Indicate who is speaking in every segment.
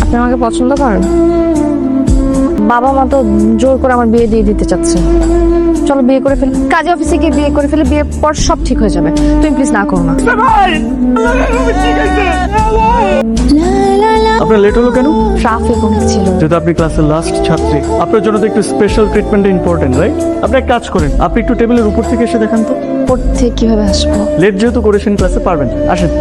Speaker 1: আপনি আমাকে পছন্দ করেন? বাবা মা তো জোর করে আমার বিয়ে দিয়ে দিতে চাচ্ছে। চলো বিয়ে করে ফেলি, কাজে অফিসে গিয়ে বিয়ে করে ফেলে, বিয়ের পর সব ঠিক হয়ে যাবে। তুমি প্লিজ না করো না।
Speaker 2: আপনার লেট হলো কেন?
Speaker 1: ট্রাফিক অনেক ছিল।
Speaker 2: যেহেতু আপনি ক্লাসের লাস্ট ছাত্রী, আপনার জন্য তো একটু স্পেশাল ট্রিটমেন্ট ইম্পর্টেন্ট, রাইট? আপনি এক কাজ করেন, আপনি একটু টেবিলের উপর থেকে এসে দেখান তো।
Speaker 1: পড়তে কিভাবে আসবো?
Speaker 2: লেট যেহেতু করেছেন ক্লাসে, পারবেন, আসেন।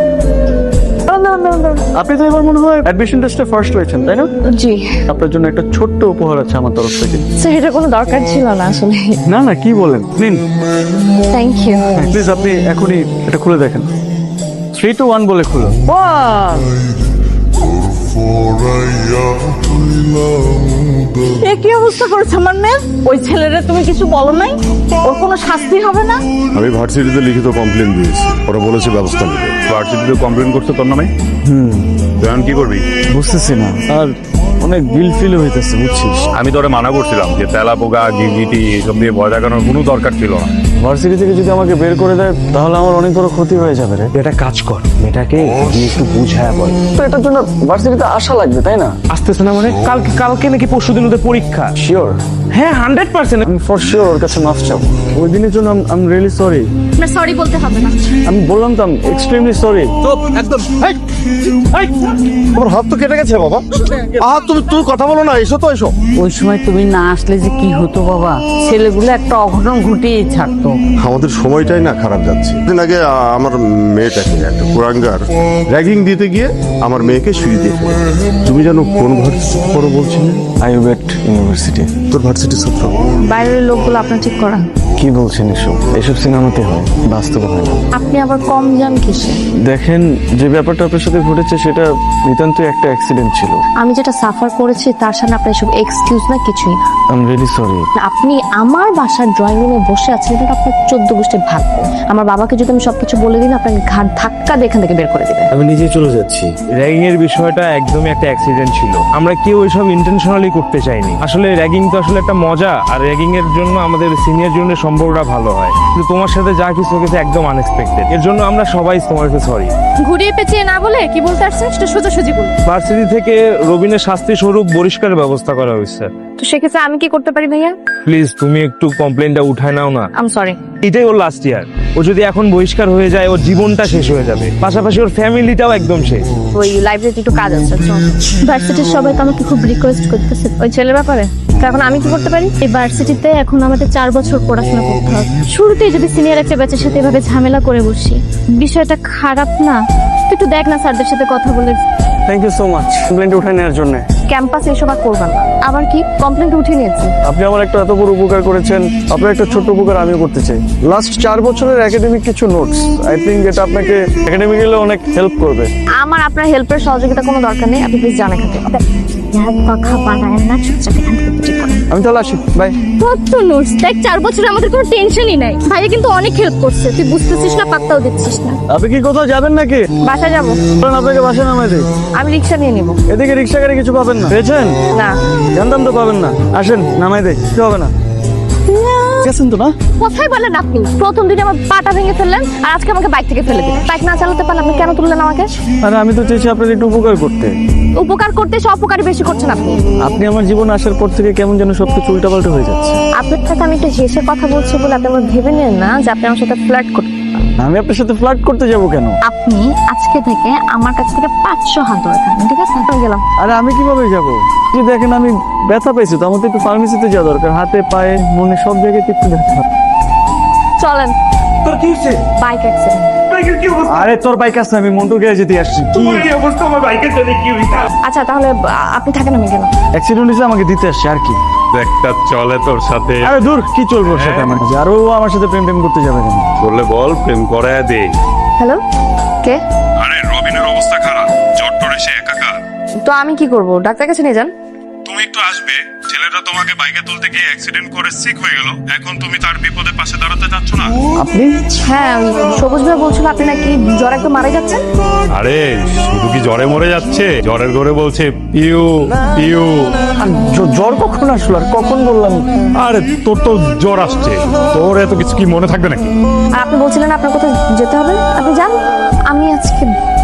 Speaker 2: আপনি তো এবার মনে হয় অ্যাডমিশন টেস্টে ফার্স্ট হয়েছেন, তাই না?
Speaker 1: জি
Speaker 2: আপনার জন্য একটা ছোট্ট উপহার আছে আমার তরফ থেকে।
Speaker 1: স্যার, এটা কোনো দরকার ছিল না আসলে।
Speaker 2: না না, কি বলেন, নিন।
Speaker 1: Thank you.
Speaker 2: প্লিজ আপনি এখনই এটা খুলে দেখেন। 3 to 1 বলে খুলো।
Speaker 3: এ কি অবস্থা করেছে আমার মেয়ে? ওই ছেলেরা তুমি কিছু বলো নাই? ওর কোনো শাস্তি হবে না?
Speaker 4: আমি ভার্সিটিতে লিখিত কমপ্লেন দিয়েছি, ওরা বলেছে ব্যবস্থা নেবে। ভার্সিটিতে কমপ্লেন করতে তোর নামে? তুই এখন কি করবি?
Speaker 2: বুঝতেছি না, আর অনেক গিল ফিল হইতেছে, বুঝছিস?
Speaker 4: আমি তোরে মানা করছিলাম যে তেলা পোকা গিরগিটি এসব দিয়ে ভয় দেখানোর কোনো দরকার ছিল না।
Speaker 2: ভার্সিটি থেকে যদি আমাকে বের করে দেয় তাহলে আমার অনেক বড় ক্ষতি হয়ে যাবে রে।
Speaker 5: এটা কাজ কর, মেয়েটাকে গিয়ে একটু বুঝায় বল।
Speaker 2: তো এটার জন্য ভার্সিটিতে আসা লাগবে, তাই না?
Speaker 5: আসতেছে না মানে? কালকে নাকি পরশুদিন ওদের পরীক্ষা।
Speaker 2: শিওর?
Speaker 5: হ্যাঁ 100%।
Speaker 2: আমি ফর শিওর ওর কাছে মাফ চাবো। ওই দিনের জন্য আই এম রিয়েলি সরি।
Speaker 1: আপনার সরি বলতে হবে না।
Speaker 2: আমি বললাম তো এক্সট্রিমলি সরি।
Speaker 4: তোমার হাত তো কেটে গেছে বাবা। তুমি কথা বলো না, এসো তো এসো।
Speaker 3: ওই সময় তুমি না আসলে যে কি হতো বাবা, ছেলেগুলো একটা অঘটন ঘটিয়েই ছাড়তো।
Speaker 4: আমাদের সময়টাই না খারাপ যাচ্ছে। দিন আগে আমার মেয়েটাকে একটা কুরাঙ্গার র্যাগিং দিতে গিয়ে আমার মেয়েকে সিঁড়ি দিয়ে ফেলে। তুমি জানো কোন ভার্সিটি পড়ো বলছিলে?
Speaker 2: IUBAT university.
Speaker 4: তোর ভার্সিটির ছাত্র।
Speaker 1: বাইরের লোকগুলো আপনার ঠিক করা।
Speaker 2: কি বলছেন এসব? এসব সিনেমাতে হয়, বাস্তবে হয় না।
Speaker 1: আপনি আবার কম যান কিসে?
Speaker 2: দেখেন, যে ব্যাপারটা আপনার সাথে ঘটেছে সেটা নিতান্ত একটা অ্যাক্সিডেন্ট ছিল।
Speaker 1: আমি যেটা সাফার করেছি তার সামনে আপনার এসব এক্সকিউজ না, কিছুই না।
Speaker 2: I am really sorry.
Speaker 1: আপনি আমার বাসার ড্রয়িং রুমে বসে আছেন, এটা আপনার 14 গোষ্ঠীর ভাগ্য। আমার বাবাকে যদি আমি সবকিছু বলে দিই না, আপনাকে ঘাট ধাক্কা দিয়ে এখান থেকে বের করে দিবে।
Speaker 5: আমি নিজেই চলে যাচ্ছি। র্যাগিং এর বিষয়টা একদমই একটা অ্যাক্সিডেন্ট ছিল। আমরা কেউ এসব ইন্টেনশনালি করতে চাইনি। আসলে র্যাগিং তো আসলে একটা মজা, আর র্যাগিং এর জন্য আমাদের সিনিয়র জনের সম্পর্কটা ভালো হয়। কিন্তু তোমার সাথে যা কিছু হয়েছে একদম আনএক্সপেক্টেড। এর জন্য আমরা সবাই তোমাকে সরি।
Speaker 1: ঘুরিয়ে পেঁচিয়ে না বলে কি বলতে আসছেন সেটা সোজাসুজি বলুন।
Speaker 5: ভার্সিটি থেকে রবিনের শাস্তি স্বরূপ বহিষ্কারের ব্যবস্থা করা হয়েছে।
Speaker 1: তো সেক্ষেত্রে আমি কি করতে পারি ভাইয়া?
Speaker 5: প্লিজ তুমি একটু কমপ্লেনটা উঠায় নাও না।
Speaker 1: I'm sorry.
Speaker 5: এটাই ওর লাস্ট ইয়ার। ও যদি এখন বহিষ্কার হয়ে যায় ওর জীবনটা শেষ হয়ে যাবে, পাশাপাশি ওর ফ্যামিলিটাও একদম শেষ।
Speaker 1: ওই লাইব্রেরিতে একটু কাজ আছে। ভার্সিটির সবাই তো আমাকে খুব রিকোয়েস্ট করতেছে ওই ছেলের ব্যাপারে। তো এখন আমি কি করতে পারি? এই ভার্সিটিতে এখন আমাদের 4 বছর পড়াশোনা করতে হবে। শুরুতেই যদি সিনিয়র একটা ব্যাচের সাথে এভাবে ঝামেলা করে বসি, বিষয়টা খারাপ না? তুই একটু দেখ না স্যারদের সাথে কথা বলে।
Speaker 2: Thank you so much complaint উঠায় নেওয়ার জন্য।
Speaker 1: ক্যাম্পাসে এসব আর করবেন না। আবার কি কমপ্লেন্ট উঠে নিয়েছি?
Speaker 2: আপনি আমার একটা এত বড় উপকার করেছেন, আপনার একটা ছোট্ট উপকার আমিও করতে চাই। লাস্ট 4 বছরের একাডেমিক কিছু নোটস, আই থিঙ্ক এটা আপনাকে একাডেমিক্যালি অনেক হেল্প করবে।
Speaker 1: আমার আপনার হেল্পের সহযোগিতা কোনো দরকার নেই। আপনি প্লিজ জানা খাতে কথা বানায় না, চুপচাপ এখান থেকে ঠিক করেন।
Speaker 2: আমি তাহলে আসি, বাই।
Speaker 1: কত নোটস দেখ, 4 বছরে আমাদের কোনো টেনশনই নাই। ভাইয়া কিন্তু অনেক হেল্প করছে, তুই বুঝতেছিস না, পাত্তাও দিচ্ছিস না।
Speaker 2: আপনি কি কোথাও যাবেন নাকি?
Speaker 1: বাসায় যাবো।
Speaker 2: বলেন, আপনাকে বাসায় নামাই দিই।
Speaker 1: আমি রিক্সা নিয়ে নিবো।
Speaker 2: এদিকে রিক্সা গাড়ি কিছু পাবেন না, পেয়েছেন?
Speaker 1: না
Speaker 2: জানতাম তো পাবেন না। আসেন নামাই দেই, কিছু হবে না। গেছেন তো না?
Speaker 1: কোথায় বলেন আপনি? প্রথম দিনে আমার পাটা ভেঙে ফেললেন, আর আজকে আমাকে বাইক থেকে ফেলে দিলেন। বাইক না চালাতে পারলে আপনি কেন তুললেন আমাকে?
Speaker 2: আরে আমি তো চেয়েছি আপনার একটু উপকার করতে।
Speaker 1: উপকার করতে এসে অপকারই বেশি করছেন আপনি।
Speaker 2: আপনি আমার জীবনে আসার পর থেকে কেমন যেন সবকিছু উল্টাপাল্টা হয়ে যাচ্ছে।
Speaker 1: আপনার সাথে আমি একটু হেসে কথা বলছি বলে আপনি আমার ভেবে নেন না যে আপনি আমার সাথে ফ্লার্ট করতে।
Speaker 2: আমি আপনার সাথে ফ্লার্ট করতে যাব কেন?
Speaker 1: আপনি আজকে থেকে আমার কাছ থেকে 500 হাত দূরে থাকবেন, ঠিক আছে? আমি গেলাম।
Speaker 2: আরে আমি কিভাবে যাব? কি দেখেন, আমি ব্যথা পাইছি তো, আমার তো একটু ফার্মেসিতে যাওয়া দরকার। হাতে পায়ে মনে সব জায়গায় একটু ব্যথা।
Speaker 1: চলেন।
Speaker 5: তোর কি হচ্ছে?
Speaker 1: Bike accident.
Speaker 5: বাইকের কি অবস্থা?
Speaker 2: আরে তোর বাইক আছে, আমি মন্টু গ্যারেজে যেতে আসছি।
Speaker 5: তোমার এই অবস্থা, আমার বাইকের জন্য কি হইতা?
Speaker 1: আচ্ছা তাহলে আপনি থাকেন, আমি গেলাম।
Speaker 2: অ্যাক্সিডেন্ট হয়েছে, আমাকে দিতে আসছে আর কি।
Speaker 4: একটা চলে তোর সাথে,
Speaker 2: আরে দূর, কি চলবো ওর সাথে আমার কাছে? আর ও আমার সাথে প্রেম টেম করতে যাবে কেন?
Speaker 4: বললে বল, প্রেম করায় দে।
Speaker 1: হ্যালো, কে?
Speaker 4: আরে রবিনের অবস্থা খারাপ, জ্বর টর এসে একাকার।
Speaker 1: তো আমি কি করব? ডাক্তার কাছে নিয়ে যান।
Speaker 4: তুমি একটু আসবে। ছেলেটা তোমাকে বাইকে তুলতে গিয়ে অ্যাক্সিডেন্ট করে সিক হয়ে গেল। এখন তুমি তার বিপদে পাশে দাঁড়াতে যাচ্ছ না?
Speaker 2: আপনি?
Speaker 1: হ্যাঁ, ওই সবুজ ভাই বলছিল আপনি নাকি জ্বর একদম মারা যাচ্ছেন।
Speaker 4: আরে শুধু কি জ্বরে মরে যাচ্ছে, জ্বরের ঘরে বলছে পিউ পিউ।
Speaker 2: আর জ্বর কখন আসলো আর কখন বললাম?
Speaker 4: আরে তোর তো জ্বর আসছে, তোর এত কিছু কি মনে থাকবে নাকি?
Speaker 1: আর আপনি বলছিলেন আপনার কোথাও যেতে হবে, আপনি যান। আমি আজকে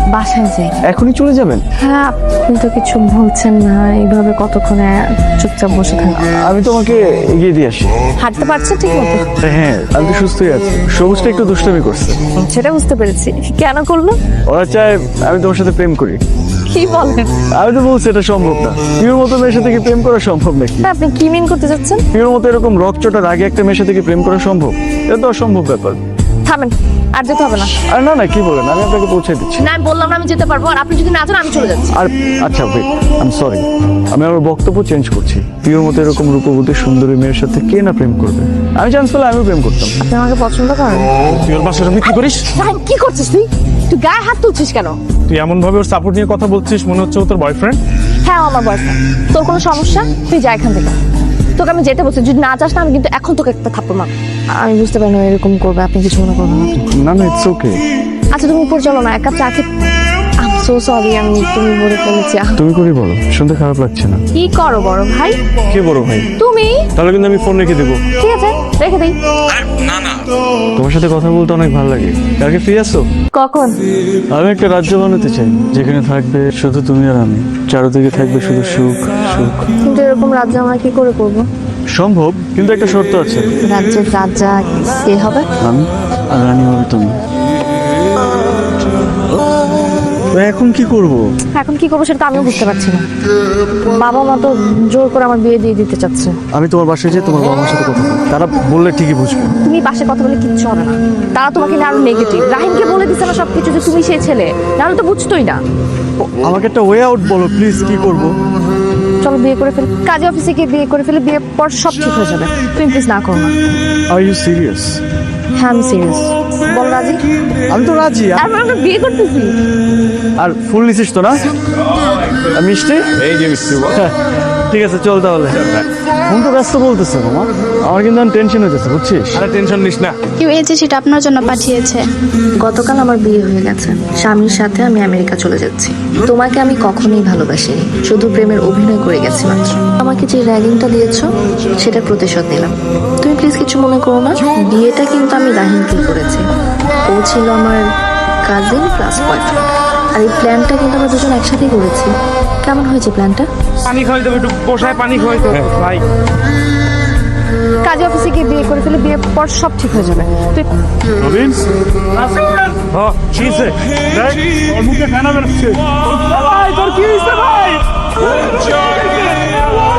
Speaker 1: বাসায় যাই।
Speaker 2: এখনই চলে যাবেন?
Speaker 1: হ্যাঁ, আপনি তো কিছু বলছেন না, এইভাবে কতক্ষণে চুপচাপ বসে থাকবো?
Speaker 2: আমি তোমাকে এগিয়ে দিয়ে আসি।
Speaker 1: হাঁটতে পারছে ঠিক মতো?
Speaker 2: হ্যাঁ, আমি তো সুস্থই আছি। সবুজটা একটু দুষ্টামি করছে।
Speaker 1: সেটা বুঝতে পেরেছি। কেন করলো?
Speaker 2: ওরা চায় আমি তোমার সাথে প্রেম করি।
Speaker 1: কি বলেন?
Speaker 2: আমি তো বলছি এটা সম্ভব না। পিওর মতো মেয়ের সাথে কি প্রেম করা সম্ভব নাকি?
Speaker 1: তা আপনি কি মিন করতে যাচ্ছেন?
Speaker 2: পিওর মতো এরকম রকচটার আগে একটা মেয়ের সাথে কি প্রেম করা সম্ভব? এটা তো অসম্ভব ব্যাপার।
Speaker 1: থামেন, আর যেতে হবে না।
Speaker 2: আর না না, কি বলেন, আমি আপনাকে পৌঁছে দিচ্ছি।
Speaker 1: না, আমি বললাম না আমি যেতে পারবো, আর আপনি যদি না যান আমি চলে যাচ্ছি।
Speaker 2: আর আচ্ছা ওয়েট, আই এম সরি, আমি আমার বক্তব্য চেঞ্জ করছি। পিওর মতো এরকম রূপবতী সুন্দরী মেয়ের সাথে কে না প্রেম করবে? আমি চান্স পেলে আমিও প্রেম করতাম।
Speaker 1: আপনি আমাকে পছন্দ করেন?
Speaker 5: তুই ওর বাসার সামনে কি করিস?
Speaker 1: জাহিন, কি করছিস তুই? তুই গায়ে হাত তুলছিস কেন?
Speaker 5: তুই এমন ভাবে ওর সাপোর্ট নিয়ে কথা বলছিস, মনে হচ্ছে ও তোর বয়ফ্রেন্ড।
Speaker 1: হ্যাঁ, ও আমার বয়ফ্রেন্ড। তোর কোনো সমস্যা? তুই যা এখান থেকে। তোকে আমি যেতে বলছি, যদি না যাস না আমি কিন্তু এখন তোকে একটা থাপ্পড় মারব। আমি বুঝতে পারি না এরকম করবে, আপনি কিছু মনে করবেন না।
Speaker 2: না না, ইটস ওকে।
Speaker 1: আচ্ছা, তুমি উপর চলো না, এক কাপ চা খেয়ে। আই এম সো সরি, আমি তুমি বলে ফেলেছি।
Speaker 2: তুমি করে বলো, শুনতে খারাপ লাগছে না।
Speaker 1: কি করো বড় ভাই?
Speaker 2: কে বড় ভাই?
Speaker 1: তুমি?
Speaker 2: তাহলে কিন্তু আমি ফোন রেখে দেবো।
Speaker 1: ঠিক আছে, রেখে দিই।
Speaker 2: তোমার সাথে কথা বলতে অনেক ভালো লাগে। কালকে ফ্রি আছো?
Speaker 1: কখন?
Speaker 2: আমি একটা রাজ্য বানাতে চাই, যেখানে থাকবে শুধু তুমি আর আমি। চারদিকে থাকবে শুধু সুখ সুখ।
Speaker 1: কিন্তু এরকম রাজ্য আমরা কি করে করবো?
Speaker 2: সম্ভব, কিন্তু একটা শর্ত আছে।
Speaker 1: রাজ্যের রাজা কে হবে?
Speaker 2: আমি আর রানী হবে তুমি। তো এখন কি করব?
Speaker 1: এখন কি করবো সেটা তো আমিও বুঝতে পারছি না। বাবা মা তো জোর করে আমার বিয়ে দিয়ে দিতে চাচ্ছে।
Speaker 2: আমি তোমার বাসায় যাই, তোমার বাবা মার সাথে কথা বলি। তারা বললে ঠিকই বুঝবে।
Speaker 1: তুমি পাশে কথা বলে কিচ্ছু হবে না। তারা তোমাকে নিয়ে আরো নেগেটিভ। রাহিমকে বলে দিচ্ছে না সবকিছু যে তুমি সেই ছেলে, নাহলে তো বুঝতোই না।
Speaker 2: আমাকে একটা ওয়ে আউট বলো প্লিজ, কি করব?
Speaker 1: চলো বিয়ে করে ফেলি, কাজে অফিসে গিয়ে বিয়ে করে ফেলে, বিয়ের পর সব ঠিক হয়ে যাবে। তুমি প্লিজ না করো না।
Speaker 2: Are you serious?
Speaker 1: হ্যাঁ, আমি সিরিয়াস। বল রাজি?
Speaker 2: আমি তো রাজি।
Speaker 1: তারপর আমরা বিয়ে করতেছি।
Speaker 2: আর ফুল নিছিস তো না? আর মিষ্টি?
Speaker 5: এই যে মিষ্টি
Speaker 2: ঠিক আছে, চল তাহলে। ফোন তো ব্যস্ত বলতেছে মামা, আমার কিন্তু টেনশন হয়ে যাচ্ছে, বুঝছিস?
Speaker 5: আরে টেনশন নিস না।
Speaker 6: কেউ এই চিঠিটা আপনার জন্য পাঠিয়েছে।
Speaker 7: গতকাল আমার বিয়ে হয়ে গেছে। স্বামীর সাথে আমি আমেরিকা চলে যাচ্ছি। তোমাকে আমি কখনোই ভালোবাসিনি, শুধু প্রেমের অভিনয় করে গেছি মাত্র। আমাকে যে র্যাগিংটা দিয়েছো সেটা প্রতিশোধ নিলাম। তুমি প্লিজ কিছু মনে করো না। বিয়েটা কিন্তু আমি রাহিমকে করেছি। ও ছিল আমার কাজিন প্লাস বয়ফ্রেন্ড। আর এই প্ল্যানটা কিন্তু আমরা দুজন একসাথেই করেছি। কেমন হয়েছে প্ল্যানটা?
Speaker 5: পানি খাওয়াই দেবো, একটু বসায় পানি খাওয়াই তো ভাই।
Speaker 1: কাজে অফিসে গিয়ে বিয়ে করে ফেলে, বিয়ের পর সব ঠিক হয়ে যাবে। তুই
Speaker 2: রবিন,
Speaker 5: হ্যাঁ কি হয়েছে? দেখ ওর মুখে ফেনা বেরোচ্ছে। ভাই তোর কি হয়েছে ভাই?